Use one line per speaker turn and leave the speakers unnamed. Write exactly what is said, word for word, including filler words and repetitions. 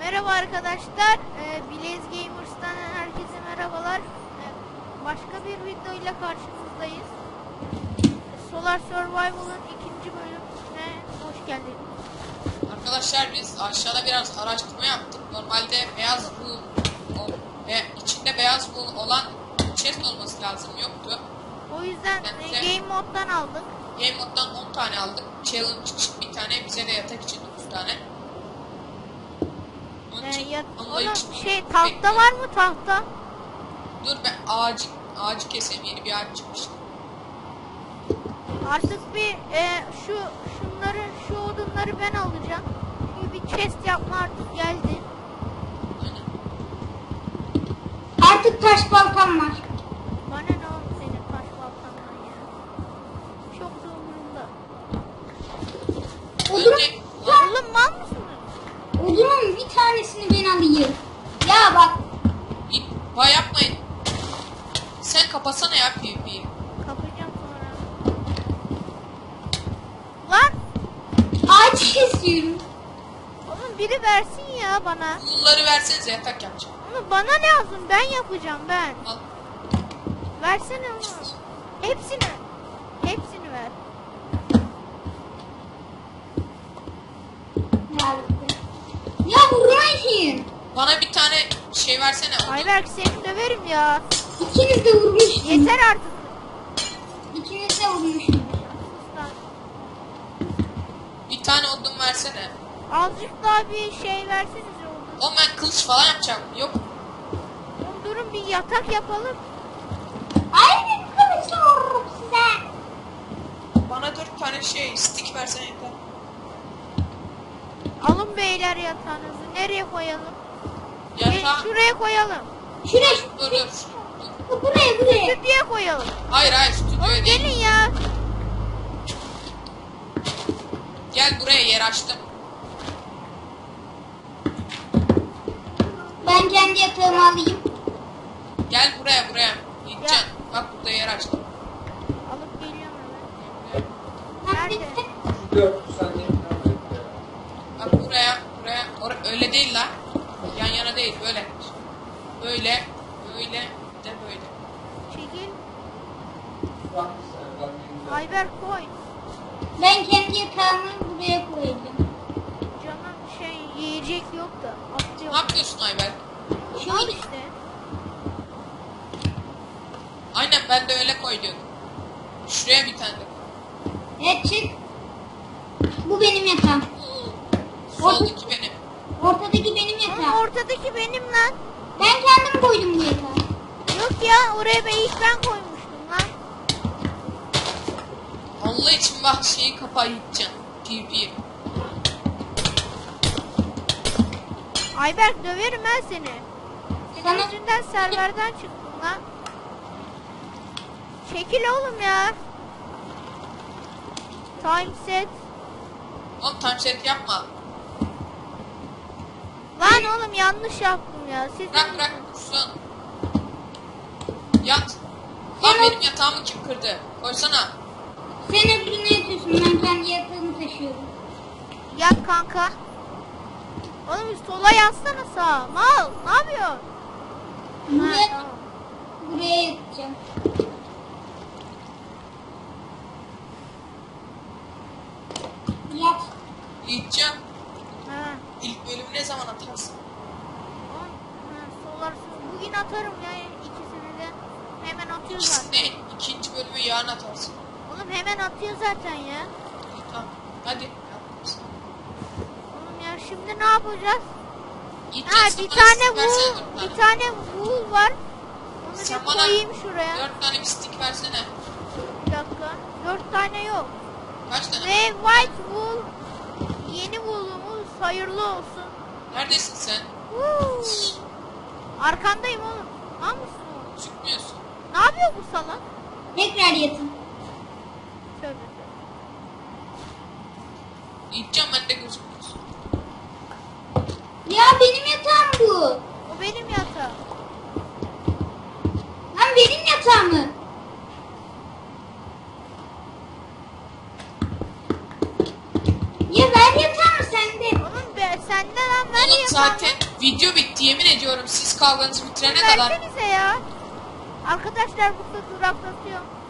Merhaba arkadaşlar, ee, Blaze Gamers'tan herkese merhabalar. Ee, başka bir video ile karşınızdayız. Solar Survival'ın ikinci bölümüne hoş geldiniz.
Arkadaşlar biz aşağıda biraz araştırma yaptık. Normalde beyaz wool ve içinde beyaz wool olan chest olması lazım, yoktu.
O yüzden e, Game Mode'dan aldık.
Game Mode'dan on tane aldık. Challenge için bir tane, bize de yatak için dokuz tane.
Ee, ya, oğlum şey tahta var mı tahta?
Dur ben ağacı, ağacı keseyim, yeni bir ağaç çıkmış.
Artık bir e, şu şunları şu odunları ben alacağım. Çünkü bir chest yapma artık geldi.
Aynen.
Artık taş baltam var.
Bana ne oldu senin taş baltandan ya? Çok da umurumda.
Önce
Oğlum mal mısınız?
Odunun bir tanesini ben alayım. Ya bak.
Vay yapmayın. Sen kapatsana ya PvP'yi.
Kapayacağım sonra. Lan!
Ağaç kesiyorum.
Oğlum biri versin ya bana.
Wool'ları versenize, yatak yapacağım.
Oğlum bana lazım, ben yapacağım ben.
Al.
Versene onu. Hepsini. Hepsini ver.
Ya, ya vurmayın.
Bana bir tane şey versene. odun.
Ayberk seni döverim ya.
İkiniz de vurmuşsunuz.
Yeter artık.
İkiniz de vurmuşsunuz.
Sus lan.
Bir tane odun versene.
Azıcık daha bir şey versenize oğlum.
Oğlum ben kılıç falan yapacağım. Yok.
Oğlum durun bir yatak yapalım.
Ay bir kılıçla vururum size.
Bana dört tane şey stick versene yeter.
Alın beyler yatağınızı. Nereye koyalım? Gel,
Yatağı...
şuraya koyalım.
Şuraya,
Dur dur. dur.
buraya, buraya.
Stüdyoya koyalım.
Hayır hayır
Oğlum
stüdyoya değil.
gelin ya.
Gel buraya, yer açtım.
Ben kendi yatağımı alayım.
Gel buraya buraya. Gideceksin. Bak burada yer açtım.
Alıp geliyorum hemen.
Ha,
Nerede?
bitti.
Bak buraya buraya. Or öyle değil la. Yan yana değil, böyle. Böyle. Böyle. De böyle.
Çekil. Ayber koy.
Ben kendi yatağımı buraya koyacağım.
Canım şey yiyecek yok da.
Ne
Atıyorum.
yapıyorsun Ayber?
Al işte.
Aynen, ben de öyle koy diyordum. Şuraya bir tane de koy.
Evet çık. Bu benim yatağım.
Soldaki benim.
Ortadaki benim
Oğlum
yatağım.
ortadaki benim lan.
Ben kendim koydum bu yatağı.
Yok ya oraya ben ilk ben koymuştum lan.
Allah için bak, şeyi kapa, gideceksin. PvP.
Ayberk döverim ben seni. Senin
Sana-
yüzünden serverden çıktım lan. Çekil oğlum ya. Time set.
Oğlum time set yapma.
Lan oğlum yanlış yaptım ya. Siz
Bırak bırak dursun. Yat. Lan benim yatağımı kim kırdı? Koysana.
Sen öbürüne yatıyorsun. Ben kendi yatağımı taşıyorum.
Yat kanka. Oğlum sola yatsana sağa. Mal ne yapıyorsun?
Buraya,
Ha, tamam.
buraya yatacağım. Yat.
Gideceğim.
Ha.
İlk bölümü ne zaman atarsın?
Oğlum, ha, solar bugün atarım ya ikisini de. Hemen atıyor zaten.
İkisini, ikinci bölümü yarın atarsın.
Oğlum hemen atıyor zaten ya.
İyi, tamam. Hadi. Yap.
Oğlum ya şimdi ne yapacağız?
Gideceğiz.
Ha
Sen
bir
bana
tane
stick versene
wool,
dört
bir
tane.
tane wool var. Onu
Sen
bir
bana
koyayım şuraya.
Dört tane bir stick versene.
Bir dakika. Dört tane yok.
Kaç tane?
Ve white wool yeni wool'umuz hayırlı olsun.
Neredesin sen?
Woo. Arkandayım oğlum. Ne yapıyorsun oğlum?
Çıkmıyorsun.
Ne yapıyor bu salak?
Tekrar yatın.
Tövbe tövbe.
Gideceğim, ben de gözükmüyorsun.
Ya benim yatağım bu.
O benim yatağım.
Lan benim yatağımı. Ya ver yatağımı sende.
Oğlum be, sende lan ver. Nereye
zaten video bitti yemin ediyorum siz kavganızı bitirene
kaldın?
kadar.
Versenize ya. Arkadaşlar burada duraklatıyorum.